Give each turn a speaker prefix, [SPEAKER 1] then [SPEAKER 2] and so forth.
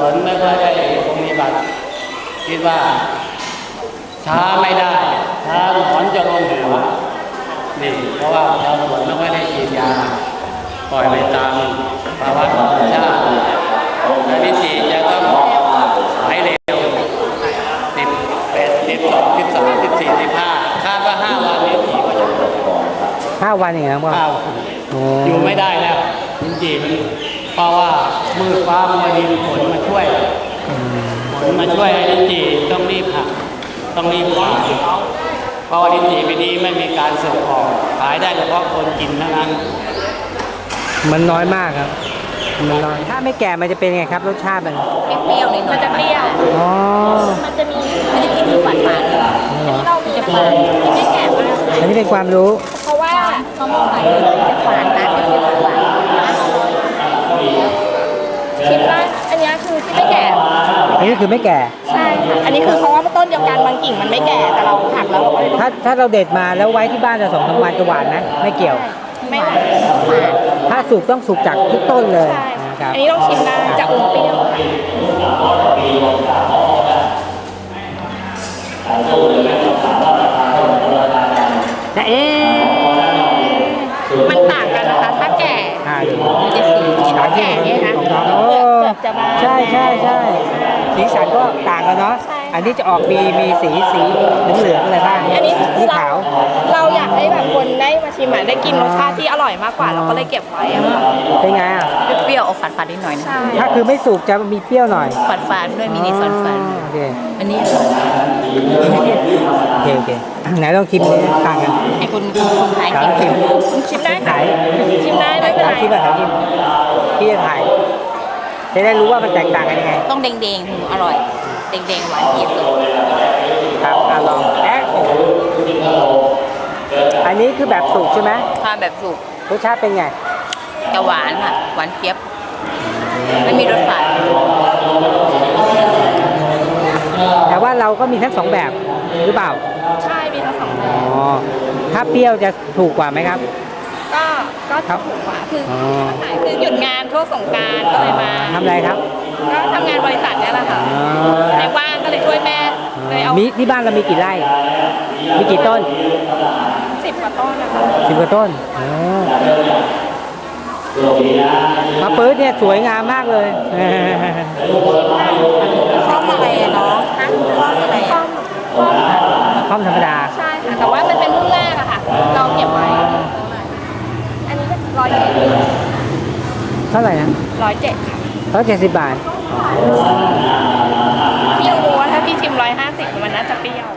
[SPEAKER 1] วนไม่ค่อยได้ปฏิบัติคิดว่าช้าไม่ได้ช้าหนอนจะลงหัวนี่เพราะว่าชาวสวนไม่ค่อยได้ฉีดยาปล่อยไปตามภาวะธรรมชาติและวิธีจะต้องหายเร็ว11 12 13 14 15คาดว่า5 วันนี้ผีก็จะ
[SPEAKER 2] 5 วันอย่างเงี้ยครับ
[SPEAKER 1] 5 วันอยู่ไม่ได้แล้วจริงๆเพราะว่ามืดฟ้ามาดินฝนมาช่วยให้ลิ้นจี่ต้องรีบหักต้องรีบขายเพราะว่าลิ้นจี่ปีนี้ไม่มีการส่งออกขายได้เฉพาะคนกินเท่านั้น
[SPEAKER 2] มันน้อยมากครับมันน้อยถ้าไม่แก่มันจะเป็นไงครับรสชาติมัน
[SPEAKER 3] เปรี้ยวๆหน่อยมันจะเปรี้ยว
[SPEAKER 2] อ๋อ
[SPEAKER 3] มันจะกินที่หวานเราจะฝาดไม่แก่มาก
[SPEAKER 2] อันนี้เป็นความรู้
[SPEAKER 3] เพราะว่ามะม่วงไหลจะฝาดนะจะเป็นหวานคิดว่าอันนี้คือที่ไม่แก่
[SPEAKER 2] อันนี้คือไม่แก่
[SPEAKER 3] ใช่ค่ะอันนี้คือเพราะว่าต้นเดียวกันบางกิ่งมันไม่แก่แต่เราหักแล้วเราก็
[SPEAKER 2] ถ้าเราเด็ดมาแล้วไว้ที่บ้านจะ2-3 วันจะหวานนะไม่เกี่ยว
[SPEAKER 3] ไม่หวาน
[SPEAKER 2] ถ้าสุกต้องสุกจากทุกต้นเลย
[SPEAKER 3] อันนี้ต้องชิมได้จะอมเปรี้ยว
[SPEAKER 2] แต่
[SPEAKER 3] มันต่างกันนะคะถ้าแก่มันจะสีถ้าแก่เนี่ยนะเปลือกจะบาง
[SPEAKER 2] ใช่สีสันก็ต่างกันเนาะอันนี้จะออกมีสีเหลืองอะไรบ้าง
[SPEAKER 3] อันนี้
[SPEAKER 2] สีขาว
[SPEAKER 3] เราอยากให้แบบคนได้มาชิมได้กินรสชาติที่อร่อยมากกว่าเราก็เลยเก็บไว้อะค่ะ
[SPEAKER 2] เป็นไงอ่ะ
[SPEAKER 3] เปรี้ยวออกฝาดนิดหน่อย
[SPEAKER 2] ถ้าคือไม่สุกจะมีเปรี้ยวหน่อย
[SPEAKER 3] ฝาดด้วยมินิฝาด
[SPEAKER 2] โอเค
[SPEAKER 3] อันนี้
[SPEAKER 2] โอเคไหนลองชิมต่างกัน
[SPEAKER 3] ให้คุณขายชิมได้
[SPEAKER 2] ขาย
[SPEAKER 3] ชิมได้ไม่เป็นไร
[SPEAKER 2] ชิมแบบชิมพี่จะถ่ายจะได้รู้ว่ามันแตกต่างกันยังไง
[SPEAKER 3] ต้องแดงๆอร่อยแดงหวานเจี๊ยบเลย
[SPEAKER 2] ครับลองอันนี้คือแบบสุกใช่ไหม
[SPEAKER 3] ค่ะแบบสุก
[SPEAKER 2] รสชาติเป็นไง
[SPEAKER 3] จะหวานค่ะหวานเจี๊ยบไม่มีรสฝาด
[SPEAKER 2] แต่ว่าเราก็มีทั้ง2แบบหรือเปล่า
[SPEAKER 3] ใช่มีทั้ง2แบบ
[SPEAKER 2] ถ้าเปรี้ยวจะถูกกว่าไหมครับ
[SPEAKER 3] ก็ถูกกว่าคือหยุดงานช่วงสงกรานต์ก็เลยมา
[SPEAKER 2] ทำอะไรครับ
[SPEAKER 3] ก็ทำงานบริษัทเนี่ยแหละค่ะในว่างก็เลยช่วยแม่เลยเอา
[SPEAKER 2] มีที่บ้านเรามีกี่ไร่มีกี่ต้น
[SPEAKER 3] 10 กว่าต้นนะคะ
[SPEAKER 2] 10 กว่าต้นมะปื๊ดเนี่ยสวยงามมากเลย
[SPEAKER 3] ข้อมอะไรเนาะข้อมอะไร
[SPEAKER 2] ข้อมธรรมดา
[SPEAKER 3] ใช่ค่ะแต่ว่ามันเป็นรุ่นแรกอะค่ะเราเก็บไว้อันนี้107เท่าไหร่นะ107ค่ะ
[SPEAKER 2] 170 บาท
[SPEAKER 3] เปรี้ยวรู้ว่าถ้าพี่ชิม150มันน่าจะเปรี้ยว